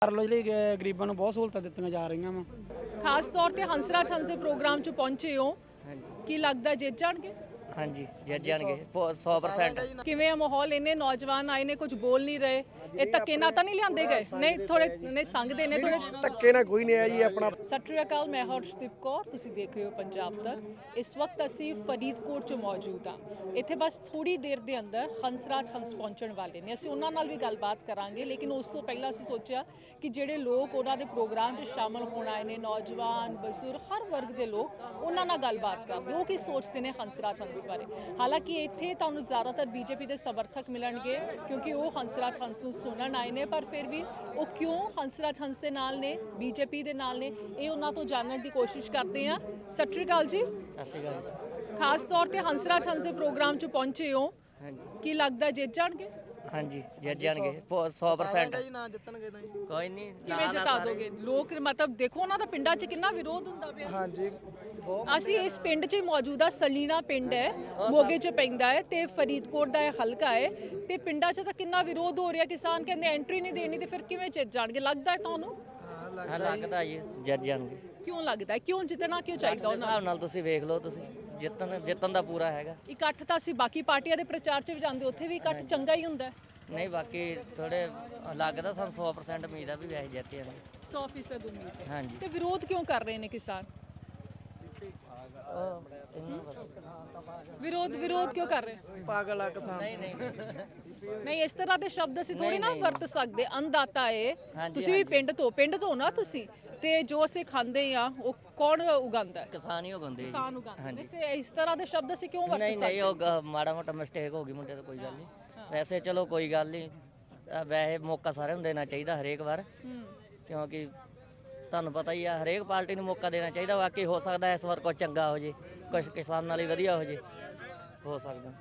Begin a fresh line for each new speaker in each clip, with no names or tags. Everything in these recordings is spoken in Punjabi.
ਲੋ ਜਿਹੜੀ ਗਰੀਬਾਂ ਨੂੰ ਬਹੁਤ ਸਹੂਲਤਾਂ ਦਿੱਤੀਆਂ ਜਾ ਰਹੀਆਂ ਵਾ।
ਖਾਸ ਤੌਰ ਤੇ ਹੰਸਰਾਜ ਹੰਸ ਦੇ ਪ੍ਰੋਗਰਾਮ 'ਚ ਪਹੁੰਚੇ ਹੋ, ਕੀ ਲੱਗਦਾ ਜਿੱਤ ਜਾਣਗੇ?
ਹਾਂਜੀ ਜਿੱਤ ਜਾਣਗੇ 100%।
ਕਿਵੇਂ ਆ ਮਾਹੌਲ? ਇੰਨੇ ਨੌਜਵਾਨ ਆਏ ਨੇ, ਕੁਝ ਬੋਲ ਨਹੀਂ ਰਹੇ, ਇਹ ਧੱਕੇ ਨਾਲ ਤਾਂ ਨਹੀਂ ਲਿਆਂਦੇ ਗਏ? ਨਹੀਂ ਥੋੜੇ ਨਹੀਂ ਸੰਗਦੇ ਨੇ ਥੋੜੇ
ਧੱਕੇ ਨਾਲ ਕੋਈ ਨਹੀਂ ਆਇਆ ਜੀ। ਆਪਣਾ
ਸਤਿ ਸ਼੍ਰੀ ਅਕਾਲ, ਮੈਂ ਹਰਸ਼ਦੀਪ ਕੌਰ, ਤੁਸੀਂ ਦੇਖ ਰਹੇ ਹੋ ਪੰਜਾਬ ਤੱਕ। ਇਸ ਵਕਤ ਅਸੀਂ ਫਰੀਦਕੋਟ 'ਚ ਮੌਜੂਦ ਹਾਂ। ਇੱਥੇ ਬਸ ਥੋੜੀ ਦੇਰ ਦੇ ਅੰਦਰ ਹੰਸਰਾਜ ਹੰਸ ਪਹੁੰਚਣ ਵਾਲੇ ਨੇ। ਅਸੀਂ ਉਹਨਾਂ ਨਾਲ ਵੀ ਗੱਲਬਾਤ ਕਰਾਂਗੇ, ਲੇਕਿਨ ਉਸ ਤੋਂ ਪਹਿਲਾਂ ਅਸੀਂ ਸੋਚਿਆ ਕਿ ਜਿਹੜੇ ਲੋਕ ਉਹਨਾਂ ਦੇ ਪ੍ਰੋਗਰਾਮ 'ਚ ਸ਼ਾਮਲ ਹੋਣ ਆਏ ਨੇ, ਨੌਜਵਾਨ ਬਜ਼ੁਰਗ ਹਰ ਵਰਗ ਦੇ ਲੋਕ, ਉਹਨਾਂ ਨਾਲ ਗੱਲਬਾਤ ਕਰਦੇ ਉਹ ਕੀ ਸੋਚਦੇ ਨੇ ਹੰਸਰਾਜ ਹੰਸ ਬਾਰੇ। ਹਾਲਾਂਕਿ ਇੱਥੇ ਤੁਹਾਨੂੰ ਜ਼ਿਆਦਾਤਰ ਬੀਜੇਪੀ ਦੇ ਸਮਰਥਕ ਮਿਲਣਗੇ ਕਿਉਂਕਿ ਉਹ ਹੰਸਰਾਜ ਹੰਸ ਨੂੰ ਸੁਣਨ ਆਏ ਨੇ, ਪਰ ਫਿਰ ਵੀ ਉਹ ਕਿਉਂ ਹੰਸਰਾਜ ਹੰਸ ਦੇ ਨਾਲ ਨੇ, ਬੀਜੇਪੀ ਦੇ ਨਾਲ ਨੇ, ਇਹ ਉਹਨਾਂ ਤੋਂ ਜਾਣਨ ਦੀ ਕੋਸ਼ਿਸ਼ ਕਰਦੇ ਹਾਂ। ਸਤਿ ਸ਼੍ਰੀ ਅਕਾਲ ਜੀ।
ਸਤਿ ਸ਼੍ਰੀ ਅਕਾਲ।
ਖਾਸ ਤੌਰ ਤੇ ਹੰਸਰਾਜ ਹੰਸ ਦੇ ਪ੍ਰੋਗਰਾਮ 'ਚ ਪਹੁੰਚੇ ਹੋ,
ਹਾਂਜੀ
ਕੀ ਲੱਗਦਾ ਜਿੱਤ ਜਾਣਗੇ?
ਹਾਂਜੀ ਜਿੱਤ ਜਾਣਗੇ 100%। ਕੋਈ ਨਹੀਂ
ਕਿਵੇਂ ਜਿਤਾ ਦੋਗੇ? ਲੋਕ ਮਤਲਬ ਦੇਖੋ ਉਹਨਾਂ ਦਾ ਪਿੰਡਾਂ 'ਚ ਕਿੰਨਾ ਵਿਰੋਧ ਹੁੰਦਾ ਪਿਆ।
ਹਾਂਜੀ
ਅਸੀਂ ਇਸ ਪਿੰਡ 'ਚ ਮੌਜੂਦਾ ਸਲੀਣਾ ਪਿੰਡ ਹੈ, ਮੋਗੇ 'ਚ ਪੈਂਦਾ ਹੈ ਤੇ ਫਰੀਦਕੋਟ ਦਾ ਇਹ ਹਲਕਾ ਹੈ, ਤੇ ਪਿੰਡਾਂ 'ਚ ਤਾਂ ਕਿੰਨਾ ਵਿਰੋਧ ਹੋ ਰਿਹਾ। ਕਿਸਾਨ ਕਹਿੰਦੇ ਐਂਟਰੀ ਨਹੀਂ ਦੇਣੀ, ਤੇ ਫਿਰ ਕਿਵੇਂ ਜਿੱਤ ਜਾਣਗੇ? ਲੱਗਦਾ ਹੈ ਤੁਹਾਨੂੰ?
ਲੱਗਦਾ ਜੀ ਜਿੱਤ ਜਾਣਗੇ।
ਕਿਉਂ ਲੱਗਦਾ ਹੈ? ਕਿਉਂ ਜਿੱਤਣਾ ਕਿਉਂ ਚਾਹੀਦਾ ਉਹਨਾਂ
ਹਿਸਾਬ ਨਾਲ ਤੁਸੀਂ ਵੇਖ ਲਓ, ਤੁਸੀਂ ਜਿੱਤਣ ਦਾ ਪੂਰਾ ਹੈਗਾ।
ਇਕੱਠ ਤਾਂ ਅਸੀਂ ਬਾਕੀ ਪਾਰਟੀਆਂ ਦੇ ਪ੍ਰਚਾਰ 'ਚ ਵੀ ਜਾਂਦੇ, ਉੱਥੇ ਵੀ ਇਕੱਠ ਚੰਗਾ ਹੀ ਹੁੰਦਾ ਹੈ।
ਨਹੀਂ ਬਾਕੀ ਥੋੜੇ ਲੱਗਦਾ ਸਾਨੂੰ 100% ਉਮੀਦ ਆ ਵੀ ਵੈਸੇ ਜਿੱਤ ਜਾਣਗੇ।
100% ਉਮੀਦ ਹੈ।
ਹਾਂਜੀ
ਤੇ ਵਿਰੋਧ ਕਿਉਂ ਕਰ ਰਹੇ ਨੇ ਕਿਸਾਨ? ਵਿਰੋਧ ਕਿਉਂ ਕਰ ਰਹੇ?
ਪਾਗਲ ਆ ਕਿਸਾਨ।
ਨਹੀਂ ਨਹੀਂ
ਨਹੀਂ, ਇਸ ਤਰ੍ਹਾਂ ਦੇ ਸ਼ਬਦ ਅਸੀਂ ਥੋੜੀ ਨਾ ਵਰਤ ਸਕਦੇ। ਅੰਨਦਾਤਾ ਏ, ਤੁਸੀਂ ਵੀ ਪਿੰਡ ਤੋਂ ਨਾ ਤੁਸੀਂ, ਤੇ ਜੋ ਅਸੀਂ ਖਾਂਦੇ ਆ ਉਹ ਕੌਣ ਉਗਾਉਂਦਾ?
ਕਿਸਾਨ ਹੀ ਉਗਾਉਂਦੇ ਜੀ।
ਕਿਸਾਨ ਉਗਾਉਂਦੇ ਨੇ। ਤੇ ਇਸ ਤਰ੍ਹਾਂ ਦੇ ਸ਼ਬਦ ਅਸੀਂ ਕਿਉਂ ਵਰਤ
ਨਹੀਂ
ਸਕਦੇ?
ਨਹੀਂ ਉਹ ਮਾੜਾ ਮੋਟਾ ਮਿਸਟੇਕ ਹੋ ਗਈ ਮੁੰਡੇ ਤੋਂ, ਕੋਈ ਗੱਲ ਨਹੀਂ। ਵੈਸੇ ਚਲੋ ਕੋਈ ਗੱਲ ਨਹੀਂ, ਵੈਸੇ ਮੌਕਾ ਸਾਰਿਆਂ ਨੂੰ ਦੇਣਾ ਚਾਹੀਦਾ ਹਰੇਕ ਵਾਰ, ਕਿਉਂਕਿ ਤੁਹਾਨੂੰ ਪਤਾ ਹੀ ਆ ਹਰੇਕ ਪਾਰਟੀ ਨੂੰ ਮੌਕਾ ਦੇਣਾ ਚਾਹੀਦਾ। ਬਾਕੀ ਹੋ ਸਕਦਾ ਇਸ ਵਾਰ ਕੁਝ ਚੰਗਾ ਹੋ ਜੇ, ਕੁਝ ਕਿਸਾਨਾਂ ਲਈ ਵਧੀਆ ਹੋ ਜੇ, ਹੋ ਸਕਦਾ।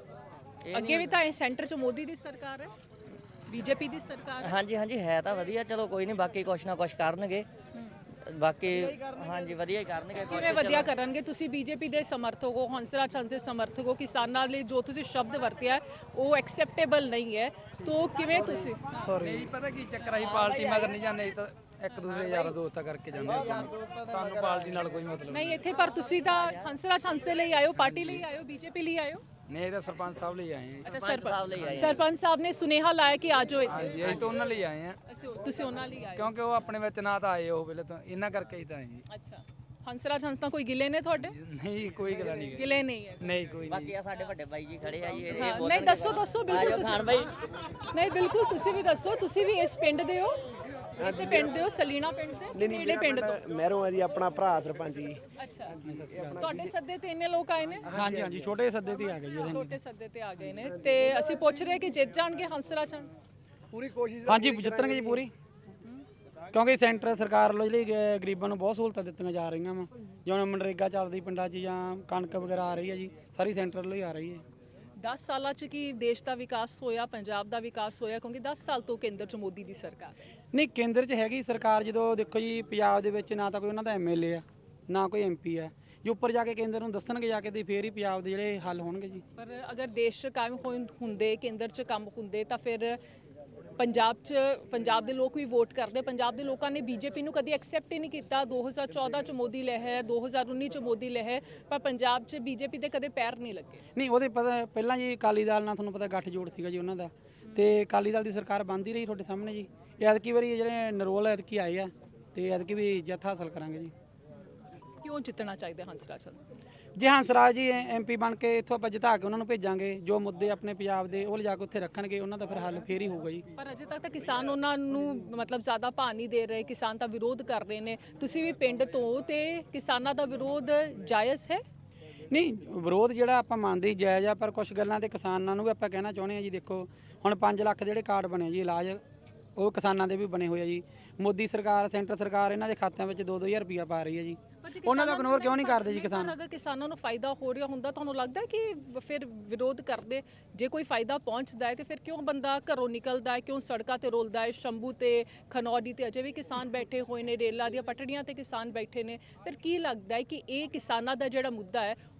ਅੱਗੇ ਵੀ ਤਾਂ ਇਹ ਸੈਂਟਰ 'ਚ ਮੋਦੀ ਦੀ ਸਰਕਾਰ ਹੈ, ਬੀਜੇਪੀ ਦੀ ਸਰਕਾਰ ਹੈ।
ਹਾਂਜੀ ਹਾਂਜੀ ਹੈ ਤਾਂ ਵਧੀਆ, ਚਲੋ ਕੋਈ ਨਹੀਂ, ਬਾਕੀ ਕੁਛ ਨਾ ਕੁਛ ਕਰਨਗੇ। ਬਾਕੀ ਹਾਂਜੀ ਵਧੀਆ ਹੀ ਕਰਨਗੇ।
ਕਿਵੇਂ ਵਧੀਆ ਕਰਨਗੇ? ਤੁਸੀਂ ਬੀਜੇਪੀ ਦੇ ਸਮਰਥਕ ਹੋ, ਹੰਸਰਾਜ ਹੰਸ ਦੇ ਸਮਰਥਕ ਹੋ, ਕਿਸਾਨਾਂ ਲਈ ਜੋ ਤੁਸੀਂ ਸ਼ਬਦ ਵਰਤਿਆ ਉਹ ਐਕਸੈਪਟੇਬਲ ਨਹੀਂ ਹੈ, ਤਾਂ ਕਿਵੇਂ ਤੁਸੀਂ?
ਨਹੀਂ ਪਤਾ ਕੀ ਚੱਕਰ, ਅਸੀਂ ਪਾਰਟੀ ਮਗਰ ਨਹੀਂ ਜਾਂਦੇ, ਤਾਂ ਇੱਕ ਦੂਸਰੇ ਯਾਰਾਂ ਦੋਸਤਾਂ ਕਰਕੇ ਜਾਂਦੇ ਹਾਂ। ਸਾਨੂੰ ਪਾਰਟੀ ਨਾਲ ਕੋਈ ਮਤਲਬ
ਨਹੀਂ ਇੱਥੇ, ਪਰ ਤੁਸੀਂ ਤਾਂ ਹੰਸਰਾਜ ਹੰਸ ਦੇ ਲਈ ਆਇਓ, ਪਾਰਟੀ ਲਈ ਆਇਓ, ਬੀਜੇਪੀ ਲਈ ਆਇਓ?
ਨਹੀਂ, ਇਹ ਤਾਂ ਸਰਪੰਚ ਸਾਹਿਬ ਲਈ ਆਏ ਹਾਂ।
ਸਰਪੰਚ ਸਾਹਿਬ ਨੇ ਸੁਨੇਹਾ ਲਾਇਆ ਕਿ ਆਜੋ ਇੱਥੇ।
ਹਾਂਜੀ ਅਸੀਂ ਤਾਂ ਉਹਨਾਂ ਲਈ ਆਏ ਹਾਂ,
ਤੁਸੀਂ ਉਹਨਾਂ ਲਈ ਆਏ?
ਕਿਉਂਕਿ ਉਹ ਆਪਣੇ ਵਿੱਚ ਨਾ ਤਾਂ ਆਏ ਉਹ ਵੇਲੇ, ਤਾਂ ਇਹਨਾਂ ਕਰਕੇ ਹੀ ਤਾਂ ਆਏ ਜੀ।
ਅੱਛਾ, ਹੰਸਰਾਜ ਹੰਸ ਤਾਂ ਕੋਈ ਗਿਲੇ ਨੇ ਤੁਹਾਡੇ?
ਨਹੀਂ ਕੋਈ ਗੱਲ ਨਹੀਂ,
ਗਿਲੇ ਨਹੀਂ ਹੈ?
ਨਹੀਂ ਕੋਈ ਨਹੀਂ।
ਬਾਕੀ ਆ ਸਾਡੇ ਵੱਡੇ ਬਾਈ ਜੀ ਖੜੇ ਆ ਜੀ, ਇਹ
ਨਹੀਂ ਦੱਸੋ ਬਿਲਕੁਲ ਤੁਸੀਂ। ਨਹੀਂ ਬਿਲਕੁਲ ਤੁਸੀਂ ਵੀ ਦੱਸੋ, ਤੁਸੀਂ ਵੀ ਇਸ ਪਿੰਡ ਦੇ ਹੋ? ਇਸੇ ਪਿੰਡ ਦੇ ਹੋ, ਸਲੀਣਾ ਪਿੰਡ ਦੇ? ਕਿਹੜੇ ਪਿੰਡ ਤੋਂ?
ਮਹਿਰੋਂ ਆ ਜੀ, ਆਪਣਾ ਭਰਾ ਸਰਪੰਚ ਜੀ।
ਅੱਛਾ, ਤੁਹਾਡੇ ਸੱਦੇ ਤੇ ਇੰਨੇ ਲੋਕ ਆਏ ਨੇ?
ਹਾਂਜੀ ਹਾਂਜੀ ਛੋਟੇ ਸੱਦੇ ਤੇ ਆ ਗਏ ਜੀ।
ਛੋਟੇ ਸੱਦੇ ਤੇ ਆ ਗਏ ਨੇ, ਤੇ ਅਸੀਂ ਪੁੱਛ ਰਹੇ ਕਿ ਜਿੱਤ ਜਾਣਗੇ ਹੰਸਰਾਜ ਹੰਸ?
ਪੂਰੀ ਕੋਸ਼ਿਸ਼।
ਹਾਂਜੀ ਜਿੱਤਣਗੇ ਜੀ ਪੂਰੀ, ਕਿਉਂਕਿ ਸੈਂਟਰ ਸਰਕਾਰ ਵੱਲੋਂ ਜਿਹੜੀ ਗਰੀਬਾਂ ਨੂੰ ਬਹੁਤ ਸਹੂਲਤਾਂ ਦਿੱਤੀਆਂ ਜਾ ਰਹੀਆਂ ਵਾ। ਜਿਵੇਂ ਮਨਰੇਗਾ ਚੱਲਦੀ ਪਿੰਡਾਂ 'ਚ, ਜਾਂ ਕਣਕ ਵਗੈਰਾ ਆ ਰਹੀ ਹੈ ਜੀ, ਸਾਰੀ ਸੈਂਟਰ ਵੱਲੋਂ ਹੀ ਆ ਰਹੀ ਹੈ।
10 ਸਾਲਾਂ 'ਚ ਕੀ ਦੇਸ਼ ਦਾ ਵਿਕਾਸ ਹੋਇਆ, ਪੰਜਾਬ ਦਾ ਵਿਕਾਸ ਹੋਇਆ? ਕਿਉਂਕਿ 10 ਸਾਲ ਤੋਂ ਕੇਂਦਰ 'ਚ ਮੋਦੀ ਦੀ ਸਰਕਾਰ।
ਨਹੀਂ ਕੇਂਦਰ 'ਚ ਹੈਗੀ ਸਰਕਾਰ, ਜਦੋਂ ਦੇਖੋ ਜੀ ਪੰਜਾਬ ਦੇ ਵਿੱਚ ਨਾ ਤਾਂ ਕੋਈ ਉਹਨਾਂ ਦਾ ਐਮਐਲਏ ਆ, ਨਾ ਕੋਈ ਐਮਪੀ ਆ। ਜੇ ਉੱਪਰ ਜਾ ਕੇ ਕੇਂਦਰ ਨੂੰ ਦੱਸਣਗੇ ਜਾ ਕੇ, ਤੇ ਫੇਰ ਹੀ ਪੰਜਾਬ ਦੇ ਜਿਹੜੇ ਹੱਲ ਹੋਣਗੇ ਜੀ।
ਪਰ ਅਗਰ ਦੇਸ਼ 'ਚ ਕੰਮ ਹੁੰਦੇ, ਕੇਂਦਰ 'ਚ ਕੰਮ ਹੁੰਦੇ, ਤਾਂ ਫਿਰ ਪੰਜਾਬ ਦੇ ਲੋਕ ਵੀ ਵੋਟ ਕਰਦੇ। ਪੰਜਾਬ ਦੇ ਲੋਕਾਂ ਨੇ ਬੀਜੇਪੀ ਨੂੰ ਕਦੀ ਐਕਸੈਪਟ ਹੀ ਨਹੀਂ ਕੀਤਾ। 2014 ਚ ਮੋਦੀ ਲਹਿਰ, 2019 ਚ ਮੋਦੀ ਲਹਿਰ, ਪਰ ਪੰਜਾਬ 'ਚ ਬੀਜੇਪੀ ਦੇ ਕਦੇ ਪੈਰ ਨਹੀਂ ਲੱਗੇ।
ਨਹੀਂ ਉਹਦੇ ਪਤਾ ਪਹਿਲਾਂ ਜੀ ਅਕਾਲੀ ਦਲ ਨਾਲ ਤੁਹਾਨੂੰ ਪਤਾ ਗੱਠਜੋੜ ਸੀਗਾ ਜੀ ਉਹਨਾਂ ਦਾ, ਤੇ ਅਕਾਲੀ ਦਲ ਦੀ ਸਰਕਾਰ ਬਣਦੀ ਰਹੀ ਤੁਹਾਡੇ ਸਾਹਮਣੇ ਜੀ। ਐਤਕੀ ਵਾਰੀ ਜਿਹੜੇ ਨਰੋਲ ਐਤਕੀ ਆਏ ਆ, ਤੇ ਐਤਕੀ ਵੀ ਜਿੱਤ ਹਾਸਲ ਕਰਾਂਗੇ ਜੀ।
ਕਿਉਂ ਜਿੱਤਣਾ ਚਾਹੀਦਾ ਹੰਸਰਾਜ ਹੰਸ?
ਜੇ ਹੰਸਰਾਜ ਜੀ ਐਮਪੀ ਬਣ ਕੇ ਇੱਥੋਂ ਆਪਾਂ ਜਿਤਾ ਕੇ ਉਹਨਾਂ ਨੂੰ ਭੇਜਾਂਗੇ, ਜੋ ਮੁੱਦੇ ਆਪਣੇ ਪੰਜਾਬ ਦੇ ਉਹ ਲਿਜਾ ਕੇ ਉੱਥੇ ਰੱਖਣਗੇ, ਉਹਨਾਂ ਦਾ ਫਿਰ ਹੱਲ ਫੇਰ ਹੀ ਹੋਊਗਾ ਜੀ।
ਪਰ ਅਜੇ ਤੱਕ ਤਾਂ ਕਿਸਾਨ ਉਹਨਾਂ ਨੂੰ ਮਤਲਬ ਜ਼ਿਆਦਾ ਭਾਅ ਨਹੀਂ ਦੇ ਰਹੇ, ਕਿਸਾਨ ਤਾਂ ਵਿਰੋਧ ਕਰ ਰਹੇ ਨੇ। ਤੁਸੀਂ ਵੀ ਪਿੰਡ ਤੋਂ, ਤੇ ਕਿਸਾਨਾਂ ਦਾ ਵਿਰੋਧ ਜਾਇਜ਼ ਹੈ?
ਨਹੀਂ ਵਿਰੋਧ ਜਿਹੜਾ ਆਪਾਂ ਮੰਨਦੇ ਹੀ ਜਾਇਜ਼ ਆ, ਪਰ ਕੁਝ ਗੱਲਾਂ ਤੇ ਕਿਸਾਨਾਂ ਨੂੰ ਵੀ ਆਪਾਂ ਕਹਿਣਾ ਚਾਹੁੰਦੇ ਆ ਜੀ। ਦੇਖੋ ਹੁਣ 5 ਲੱਖ ਦੇ ਜਿਹੜੇ ਕਾਰਡ ਬਣੇ ਜੀ ਇਲਾਜ, ਉਹ ਕਿਸਾਨਾਂ ਦੇ ਵੀ ਬਣੇ ਹੋਏ ਆ ਜੀ। ਮੋਦੀ ਸਰਕਾਰ, ਸੈਂਟਰ ਸਰਕਾਰ ਇਹਨਾਂ ਦੇ ਖਾਤਿਆਂ ਵਿੱਚ 2-2 ਹਜ਼ਾਰ ਰੁਪਇਆ ਪਾ ਰਹੀ ਹੈ ਜੀ। ਉਹਨਾਂ ਦਾ ਇਗਨੋਰ ਕਿਉਂ ਨਹੀਂ ਕਰਦੇ ਜੀ ਕਿਸਾਨ?
ਅਗਰ ਕਿਸਾਨਾਂ ਨੂੰ ਫਾਇਦਾ ਹੋ ਰਿਹਾ ਹੁੰਦਾ, ਤੁਹਾਨੂੰ ਲੱਗਦਾ ਕਿ ਫਿਰ ਵਿਰੋਧ ਕਰਦੇ? ਜੇ ਕੋਈ ਫਾਇਦਾ ਪਹੁੰਚਦਾ ਹੈ ਤੇ ਫਿਰ ਕਿਉਂ ਬੰਦਾ ਘਰੋਂ ਨਿਕਲਦਾ ਹੈ, ਕਿਉਂ ਸੜਕਾਂ ਤੇ ਰੋਲਦਾ ਹੈ? ਸ਼ੰਭੂ ਤੇ ਖਨੌਰੀ ਤੇ ਅਜੇ ਵੀ ਕਿਸਾਨ ਬੈਠੇ ਹੋਏ ਨੇ, ਰੇਲਾਂ ਦੀਆਂ ਪਟੜੀਆਂ ਤੇ ਕਿਸਾਨ ਬੈਠੇ ਨੇ। ਫਿਰ ਕੀ ਲੱਗਦਾ ਹੈ ਕਿ ਇਹ ਕਿਸਾਨਾਂ ਦਾ ਜਿਹੜਾ ਮੁੱਦਾ ਹੈ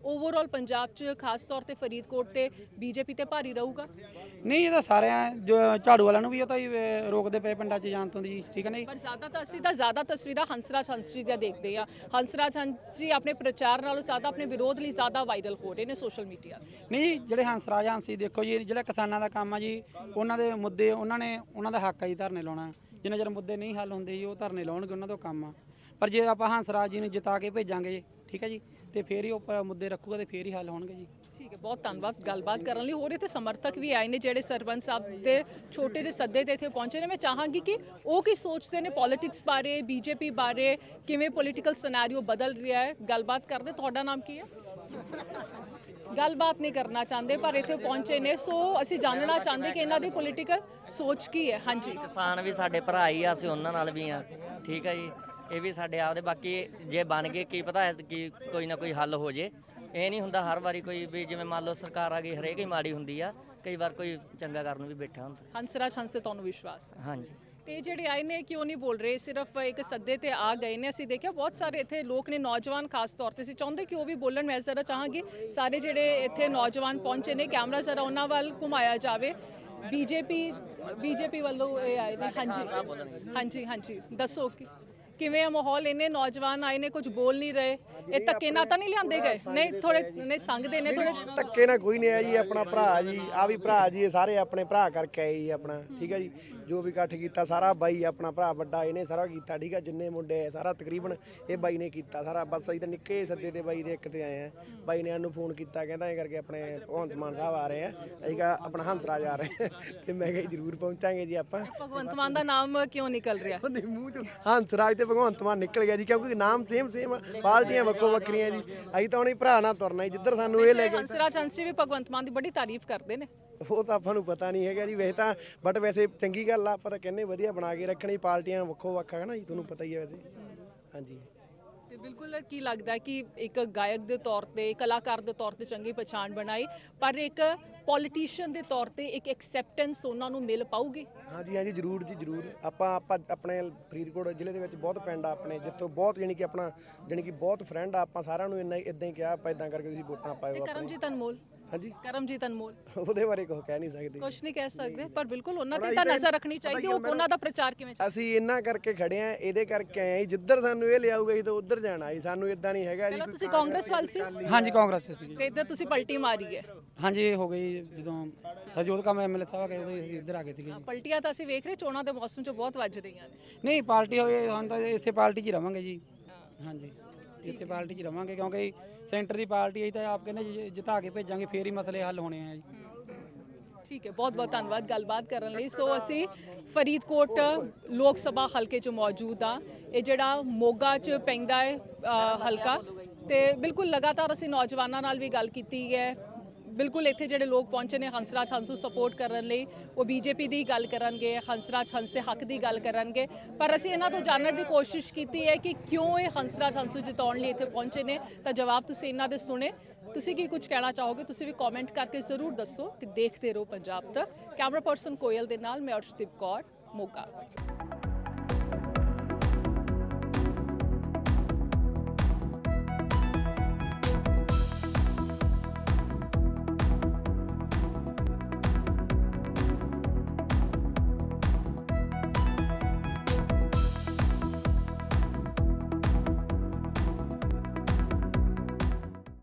ਓਵਰਆਲ ਪੰਜਾਬ 'ਚ ਖਾਸ ਤੌਰ ਤੇ ਫਰੀਦਕੋਟ ਤੇ ਬੀਜੇਪੀ ਤੇ ਭਾਰੀ ਰਹੂਗਾ?
ਨਹੀਂ, ਇਹ ਤਾਂ ਸਾਰਿਆਂ ਜੋ ਝਾੜੂ ਵਾਲਿਆਂ ਨੂੰ ਵੀ ਉਹ ਤਾਂ ਹੀ ਰੋਕਦੇ ਪਏ ਪਿੰਡਾਂ 'ਚ ਜਾਣ ਤੋਂ ਜੀ, ਠੀਕ ਹੈ ਨਾ ਜੀ।
ਪਰ ਜ਼ਿਆਦਾ ਤਾਂ ਅਸੀਂ ਤਾਂ ਜ਼ਿਆਦਾ ਤਸਵੀਰਾਂ ਹੰਸਰਾਜ ਹੰਸ ਜੀ ਦੀਆਂ ਦੇਖਦੇ ਆ। ਹੰਸਰਾਜ ਹੰਸ ਜੀ ਆਪਣੇ ਪ੍ਰਚਾਰ ਨਾਲੋਂ ਜ਼ਿਆਦਾ ਆਪਣੇ ਵਿਰੋਧ ਲਈ ਜ਼ਿਆਦਾ ਵਾਇਰਲ ਹੋ ਰਹੇ ਨੇ ਸੋਸ਼ਲ ਮੀਡੀਆ ਤੇ।
ਨਹੀਂ ਜੀ, ਜਿਹੜੇ ਹੰਸਰਾਜ ਹੰਸੀ ਦੇਖੋ ਜੀ, ਜਿਹੜਾ ਕਿਸਾਨਾਂ ਦਾ ਕੰਮ ਆ ਜੀ, ਉਹਨਾਂ ਦੇ ਮੁੱਦੇ ਉਹਨਾਂ ਦਾ ਹੱਕ ਆ ਜੀ ਧਰਨੇ ਲਾਉਣਾ। ਜਿੰਨਾ ਚਿਰ ਮੁੱਦੇ ਨਹੀਂ ਹੱਲ ਹੁੰਦੇ ਜੀ, ਉਹ ਧਰਨੇ ਲਾਉਣਗੇ, ਉਹਨਾਂ ਦਾ ਕੰਮ ਆ। ਪਰ ਜੇ ਆਪਾਂ ਹੰਸਰਾਜ ਜੀ ਨੂੰ ਜਿਤਾ ਕੇ ਭੇਜਾਂਗੇ, ਠੀਕ ਹੈ ਜੀ, ਤੇ ਫੇਰ ਹੀ ਉਹ ਮੁੱਦੇ ਰੱਖੂਗਾ ਤੇ ਫੇਰ ਹੀ ਹੱਲ ਹੋਣਗੇ ਜੀ।
ਠੀਕ ਹੈ, ਬਹੁਤ ਧੰਨਵਾਦ ਗੱਲਬਾਤ ਕਰਨ ਲਈ। ਹੋਰ ਇੱਥੇ ਸਮਰਥਕ ਵੀ ਆਏ ਨੇ ਜਿਹੜੇ ਸਰਪੰਚ ਸਾਹਿਬ ਦੇ ਛੋਟੇ ਜਿਹੇ ਸੱਦੇ ਤੇ ਇੱਥੇ ਪਹੁੰਚੇ ਨੇ। ਮੈਂ ਚਾਹਾਂਗੀ ਕਿ ਉਹ ਕੀ ਸੋਚਦੇ ਨੇ ਪੋਲਿਟਿਕਸ ਬਾਰੇ, ਬੀਜੇਪੀ ਬਾਰੇ, ਕਿਵੇਂ ਪੋਲੀਟੀਕਲ ਸਿਨੈਰੀਓ ਬਦਲ ਰਿਹਾ ਹੈ, ਗੱਲਬਾਤ ਕਰਦੇ। ਤੁਹਾਡਾ ਨਾਮ ਕੀ ਹੈ? ਗੱਲਬਾਤ ਨਹੀਂ ਕਰਨਾ ਚਾਹੁੰਦੇ ਪਰ ਇੱਥੇ ਪਹੁੰਚੇ ਨੇ, ਸੋ ਅਸੀਂ ਜਾਣਨਾ ਚਾਹੁੰਦੇ ਕਿ ਇਹਨਾਂ ਦੀ ਪੋਲੀਟੀਕਲ ਸੋਚ ਕੀ ਹੈ। ਹਾਂਜੀ,
ਕਿਸਾਨ ਵੀ ਸਾਡੇ ਭਰਾ ਹੀ ਆ, ਅਸੀਂ ਉਹਨਾਂ ਨਾਲ ਵੀ ਆ, ਠੀਕ ਹੈ ਜੀ। ਇਹ ਵੀ ਸਾਡੇ ਆਪਦੇ, ਬਾਕੀ ਜੇ ਬਣ ਗਏ ਕੀ ਪਤਾ ਹੈ ਕਿ ਕੋਈ ਨਾ ਕੋਈ ਹੱਲ ਹੋ ਜੇ। ਇਹ ਨਹੀਂ ਹੁੰਦਾ ਹਰ ਵਾਰੀ ਕੋਈ ਵੀ, ਜਿਵੇਂ ਮੰਨ ਲਓ ਸਰਕਾਰ ਆ ਗਈ ਹਰੇਕ ਹੀ ਮਾੜੀ ਹੁੰਦੀ ਆ, ਕਈ ਵਾਰ ਕੋਈ ਚੰਗਾ ਕਰਨ ਨੂੰ ਵੀ ਬੈਠਾ ਹੁੰਦਾ।
ਹੰਸਰਾਜ ਹੰਸ ਤੇ ਤੁਹਾਨੂੰ ਵਿਸ਼ਵਾਸ ਹੈ?
ਹਾਂਜੀ।
ਤੇ ਜਿਹੜੇ ਆਏ ਨੇ ਕਿਉਂ ਨਹੀਂ ਬੋਲ ਰਹੇ, ਸਿਰਫ ਇੱਕ ਸੱਦੇ ਤੇ ਆ ਗਏ ਨੇ? ਅਸੀਂ ਦੇਖਿਆ ਬਹੁਤ ਸਾਰੇ ਇੱਥੇ ਲੋਕ ਨੇ, ਨੌਜਵਾਨ ਖਾਸ ਤੌਰ ਤੇ, ਅਸੀਂ ਚਾਹੁੰਦੇ ਕਿ ਉਹ ਵੀ ਬੋਲਣ। ਮੈਂ ਜ਼ਰਾ ਚਾਹਾਂਗੀ ਸਾਰੇ ਜਿਹੜੇ ਇੱਥੇ ਨੌਜਵਾਨ ਪਹੁੰਚੇ ਨੇ, ਕੈਮਰਾ ਜ਼ਰਾ ਉਹਨਾਂ ਵੱਲ ਘੁਮਾਇਆ ਜਾਵੇ। ਬੀਜੇਪੀ ਵੱਲੋਂ ਇਹ ਆਏ ਨੇ। ਹਾਂਜੀ, ਹਾਂਜੀ, ਦੱਸੋ ਕਿਵੇਂ ਆ ਮਾਹੌਲ? ਇੰਨੇ ਨੌਜਵਾਨ ਆਏ ਨੇ, ਕੁਝ ਬੋਲ ਨਹੀਂ ਰਹੇ। ਇਹ ਧੱਕੇ ਨਾਲ ਤਾਂ ਨਹੀਂ ਲਿਆਂਦੇ ਗਏ? ਨਹੀਂ, ਥੋੜੇ ਨਹੀਂ ਸੰਗਦੇ ਨੇ ਥੋੜੇ।
ਧੱਕੇ ਨਾਲ ਕੋਈ ਨਹੀਂ ਆਇਆ ਜੀ, ਆਪਣਾ ਭਰਾ ਜੀ, ਆ ਵੀ ਭਰਾ ਜੀ, ਇਹ ਸਾਰੇ ਆਪਣੇ ਭਰਾ ਕਰਕੇ ਆਏ ਜੀ ਆਪਣਾ, ਠੀਕ ਹੈ ਜੀ। ਜੋ ਵੀ ਇਕੱਠ ਕੀਤਾ ਸਾਰਾ ਬਾਈ ਆਪਣਾ ਭਰਾ ਵੱਡਾ, ਇਹਨੇ ਸਾਰਾ ਕੀਤਾ, ਠੀਕ ਹੈ। ਜਿੰਨੇ ਮੁੰਡੇ ਸਾਰਾ ਤਕਰੀਬਨ ਇਹ ਬਾਈ ਨੇ ਕੀਤਾ ਸਾਰਾ। ਬਸ ਅਸੀਂ ਤਾਂ ਨਿੱਕੇ ਸੱਦੇ ਤੇ ਬਾਈ ਦੇ ਇੱਕ ਤੇ ਆਏ ਆ। ਬਾਈ ਨੇ ਸਾਨੂੰ ਫੋਨ ਕੀਤਾ, ਕਹਿੰਦਾ ਇਹ ਕਰਕੇ ਆਪਣੇ ਭਗਵੰਤ ਮਾਨ ਸਾਹਿਬ ਆ ਰਹੇ ਆ, ਅਸੀਂ ਕਿਹਾ ਆਪਣਾ ਹੰਸਰਾਜ ਆ ਰਹੇ ਤੇ ਮੈਂ ਕਿਹਾ ਜ਼ਰੂਰ ਪਹੁੰਚਾਂਗੇ ਜੀ ਆਪਾਂ।
ਭਗਵੰਤ ਮਾਨ ਦਾ ਨਾਮ ਕਿਉਂ ਨਿਕਲ ਰਿਹਾ?
ਉਹਨੇ ਮੂੰਹ ਚੋਂ ਹੰਸਰਾਜ ਤੇ ਭਗਵੰਤ ਮਾਨ ਨਿਕਲ ਗਿਆ ਜੀ, ਕਿਉਂਕਿ ਨਾਮ ਸੇਮ ਪਾਰਟੀਆਂ ਵੱਖੋ ਵੱਖਰੀਆਂ ਜੀ। ਅਸੀਂ ਤਾਂ ਉਹਨੇ ਭਰਾ ਨਾਲ ਤੁਰਨਾ ਜੀ, ਜਿੱਧਰ ਸਾਨੂੰ ਇਹ ਲੈ ਕੇ।
ਹੰਸਰਾਜ ਹੰਸ ਜੀ ਵੀ ਭਗਵੰਤ ਮਾਨ ਦੀ ਬੜੀ ਤਾਰੀਫ ਕਰਦੇ ਨੇ।
ਉਹ ਤਾਂ ਆਪਾਂ ਨੂੰ ਪਤਾ ਨਹੀਂ ਹੈਗਾ ਜੀ ਵੈਸੇ ਤਾਂ, ਬਟ ਵੈਸੇ ਚੰਗੀ ਗੱਲ ਆ, ਆਪਾਂ ਤਾਂ ਕਹਿੰਦੇ ਵਧੀਆ ਬਣਾ ਕੇ ਰੱਖਣੀ। ਪਾਰਟੀਆਂ ਵੱਖੋ ਵੱਖ ਹੈ ਨਾ ਜੀ, ਤੁਹਾਨੂੰ ਪਤਾ ਹੀ ਹੈ ਵੈਸੇ। ਹਾਂਜੀ,
ਤੇ ਬਿਲਕੁਲ ਕੀ ਲੱਗਦਾ ਕਿ ਇੱਕ ਗਾਇਕ ਦੇ ਤੌਰ ਤੇ, ਕਲਾਕਾਰ ਦੇ ਤੌਰ ਤੇ ਚੰਗੀ ਪਛਾਣ ਬਣਾਈ, ਪਰ ਇੱਕ ਪੋਲੀਟੀਸ਼ੀਅਨ ਦੇ ਤੌਰ ਤੇ ਇੱਕ ਐਕਸੈਪਟੈਂਸ ਉਹਨਾਂ ਨੂੰ ਮਿਲ ਪਾਊਗੀ?
ਹਾਂਜੀ, ਜ਼ਰੂਰ ਜੀ, ਜ਼ਰੂਰ। ਆਪਾਂ ਆਪਣੇ ਫਰੀਦਕੋਟ ਜ਼ਿਲ੍ਹੇ ਦੇ ਵਿੱਚ ਬਹੁਤ ਪਿੰਡ ਆ ਆਪਣੇ, ਜਿੱਥੋਂ ਬਹੁਤ ਜਾਣੀ ਕਿ ਆਪਣਾ ਜਾਣੀ ਕਿ ਬਹੁਤ ਫਰੈਂਡ ਆ। ਆਪਾਂ ਸਾਰਿਆਂ ਨੂੰ ਇਦਾਂ ਹੀ ਕਿਹਾ, ਆਪਾਂ ਇਦਾਂ ਕਰਕੇ ਤੁਸੀਂ ਵੋਟਾਂ ਪਾਇਓ।
ਕਰਮਜੀਤ ਅਨਮੋਲ?
ਹਾਂਜੀ,
ਕਰਮਜੀਤ ਅਨਮੋਲ
ਉਹਦੇ ਬਾਰੇ ਕੁਝ ਕਹਿ ਨਹੀਂ ਸਕਦੇ,
ਕੁਝ ਨਹੀਂ ਕਹਿ ਸਕਦੇ, ਪਰ ਬਿਲਕੁਲ ਉਹਨਾਂ ਤੇ ਤਾਂ ਨਜ਼ਰ ਰੱਖਣੀ ਚਾਹੀਦੀ। ਉਹ ਉਹਨਾਂ ਦਾ ਪ੍ਰਚਾਰ ਕਿਵੇਂ ਚੱਲਦਾ?
ਅਸੀਂ ਇਹਨਾਂ ਕਰਕੇ ਖੜੇ ਆ, ਇਹਦੇ ਕਰਕੇ ਆਏ ਆ, ਜਿੱਧਰ ਸਾਨੂੰ ਇਹ ਲਿਆਊਗਾ ਜੀ ਤਾਂ ਉੱਧਰ ਜਾਣਾ ਜੀ। ਸਾਨੂੰ ਇਦਾਂ ਨਹੀਂ ਹੈਗਾ ਜੀ।
ਤੁਸੀਂ ਕਾਂਗਰਸ ਵੱਲ ਸੀ?
ਹਾਂਜੀ, ਕਾਂਗਰਸ 'ਚ ਸੀਗੇ।
ਤੇ ਇੱਧਰ ਤੁਸੀਂ ਪਲਟੀ ਮਾਰੀ ਹੈ?
ਹਾਂਜੀ, ਇਹ ਹੋ ਗਈ ਜਦੋਂ ਹਰਜੋਤ ਕੌਰ ਐਮਐਲਏ ਸਾਹਿਬ ਗਏ, ਉਦੋਂ ਅਸੀਂ ਇੱਧਰ ਆ ਗਏ ਸੀਗੇ ਜੀ।
ਪਲਟੀਆਂ ਤਾਂ ਅਸੀਂ ਵੇਖ ਰਹੇ ਚੋਣਾਂ ਦੇ ਮੌਸਮ 'ਚ ਬਹੁਤ ਵੱਜ ਰਹੀਆਂ ਨੇ।
ਨਹੀਂ, ਪਾਰਟੀ ਹੋਵੇ ਹੁਣ ਤਾਂ ਇਸੇ ਪਾਰਟੀ 'ਚ ਹੀ ਰਵਾਂਗੇ ਜੀ। ਹਾਂਜੀ, ਇਸੇ ਪਾਰਟੀ 'ਚ ਹੀ ਰਵਾਂਗੇ, ਕਿਉਂਕਿ ਸੈਂਟਰ ਦੀ ਪਾਰਟੀ ਹੈ ਤਾਂ ਆਪ ਕਹਿੰਦੇ ਜਿਤਾ ਕੇ ਭੇਜਾਂਗੇ, ਫੇਰ ਹੀ ਮਸਲੇ ਹੱਲ ਹੋਣੇ ਆ ਜੀ।
ਠੀਕ ਹੈ, ਬਹੁਤ ਬਹੁਤ ਧੰਨਵਾਦ ਗੱਲਬਾਤ ਕਰਨ ਲਈ। ਸੋ ਅਸੀਂ ਫਰੀਦਕੋਟ ਲੋਕ ਸਭਾ ਹਲਕੇ 'ਚ ਮੌਜੂਦ ਆ। ਇਹ ਜਿਹੜਾ ਮੋਗਾ 'ਚ ਪੈਂਦਾ ਹੈ ਹਲਕਾ, ਤੇ ਬਿਲਕੁਲ ਲਗਾਤਾਰ ਅਸੀਂ ਨੌਜਵਾਨਾਂ ਨਾਲ ਵੀ ਗੱਲ ਕੀਤੀ ਹੈ। ਬਿਲਕੁਲ ਇੱਥੇ ਜਿਹੜੇ ਲੋਕ ਪਹੁੰਚੇ ਨੇ ਹੰਸਰਾਜ ਹੰਸ ਨੂੰ ਸਪੋਰਟ ਕਰਨ ਲਈ, ਉਹ ਬੀਜੇਪੀ ਦੀ ਗੱਲ ਕਰਨਗੇ, ਹੰਸਰਾਜ ਹੰਸ ਦੇ ਹੱਕ ਦੀ ਗੱਲ ਕਰਨਗੇ। ਪਰ ਅਸੀਂ ਇਹਨਾਂ ਤੋਂ ਜਾਣਨ ਦੀ ਕੋਸ਼ਿਸ਼ ਕੀਤੀ ਹੈ ਕਿ ਕਿਉਂ ਇਹ ਹੰਸਰਾਜ ਹੰਸ ਨੂੰ ਜਿਤਾਉਣ ਲਈ ਇੱਥੇ ਪਹੁੰਚੇ ਨੇ, ਤਾਂ ਜਵਾਬ ਤੁਸੀਂ ਇਹਨਾਂ ਦੇ ਸੁਣੇ। ਤੁਸੀਂ ਕੀ ਕੁਝ ਕਹਿਣਾ ਚਾਹੋਗੇ, ਤੁਸੀਂ ਵੀ ਕਮੈਂਟ ਕਰਕੇ ਜ਼ਰੂਰ ਦੱਸੋ। ਕਿ ਦੇਖਦੇ ਰਹੋ ਪੰਜਾਬ ਤੱਕ। ਕੈਮਰਾ ਪਰਸਨ ਕੋਇਲ ਦੇ ਨਾਲ ਮੈਂ ਅਰਸ਼ਦੀਪ ਕੌਰ, ਮੋਗਾ।